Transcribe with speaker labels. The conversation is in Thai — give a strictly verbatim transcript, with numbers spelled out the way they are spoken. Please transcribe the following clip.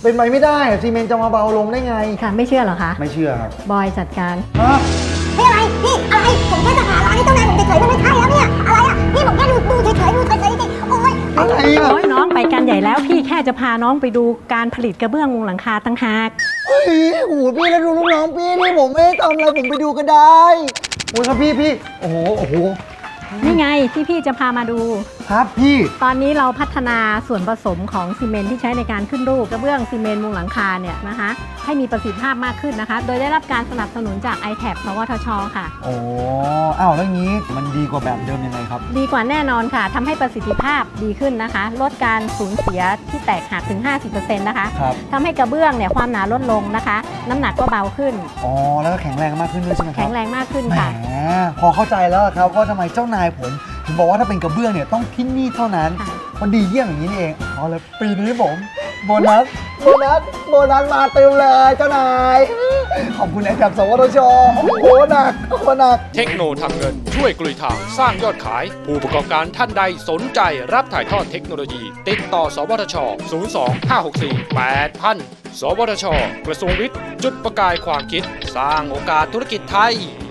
Speaker 1: เป็นไปไม่ได้ซีเมนต์จะมาเบาลงได้ไง
Speaker 2: ค่ะไม่เชื่อเหรอคะ
Speaker 1: ไม่เชื่อครับ
Speaker 2: บอยจัดการ
Speaker 3: พี่อะไรพี่อะไรผมแค่จะหาร้านให้เจ้านายผมเฉยๆมันไม่ใช่แล้วเนี่ยอะไรอ่ะพี่ผมแค่ดูดูเฉยๆดูเฉยๆจริงโอ๊ย
Speaker 1: อะไรอ่ะ
Speaker 2: โอ๊ยน้องไปกันใหญ่แล้วพี่แค่จะพาน้องไปดูการผลิตกระเบื้องมุงหลังคาตั้งหาก
Speaker 1: เฮ้ยโอ้โหพี่แล้วดูลูกน้องพี่นี่ผมไม่ได้ทำอะไรผมไปดูก็ได้โอ้ยครับพี่พี่โอ้โหโอ้โห
Speaker 2: นี่ไงที่พี่จะพามาดู
Speaker 1: ครับพี่
Speaker 2: ตอนนี้เราพัฒนาส่วนผสมของซีเมนต์ที่ใช้ในการขึ้นรูปกระเบื้องซีเมนต์มุงหลังคาเนี่ยนะคะให้มีประสิทธิภาพมากขึ้นนะคะโดยได้รับการสนับสนุนจาก ไอ แท็บ สวทช.ค่ะ
Speaker 1: โอ้อ้าวแล้วงี้มันดีกว่าแบบเดิมยังไงครับ
Speaker 2: ดีกว่าแน่นอนค่ะทำให้ประสิทธิภาพดีขึ้นนะคะลดการสูญเสียที่แตกหักถึง ห้าสิบเปอร์เซ็นต์ นะคะทำให้กระเบื้องเนี่ยความหนาลดลงนะคะน้ำหนักก็เบาขึ้น
Speaker 1: อ๋อแล้วก็แข็งแรงมากขึ้นด้วยใช่ไหมครับ
Speaker 2: แข็งแรงมากขึ้นค่ะ
Speaker 1: แหมพอเข้าใจแล้วครับว่าทำไมเจ้านายผมถึงบอกว่าถ้าเป็นกระเบื้องเนี่ยต้องที่นี่เท่านั้นมันดีเยี่ยมอย่างนี้นี่เองเอาเลยปีนี้ผมโบนัสโบนัสโบนัสมาเต็มเลยเจ้านายขอบคุณไอแท็บ สวทช.โอ้โหหนักโอ้โหหนัก
Speaker 4: เทคโนทางเงินช่วยกลุยทางสร้างยอดขายผู้ประกอบการท่านใดสนใจรับถ่ายทอดเทคโนโลยีติดต่อสวทช ศูนย์ สอง ห้า หก สี่ แปด พัน สวทช.กระทรวงวิทย์จุดประกายความคิดสร้างโอกาสธุรกิจไทย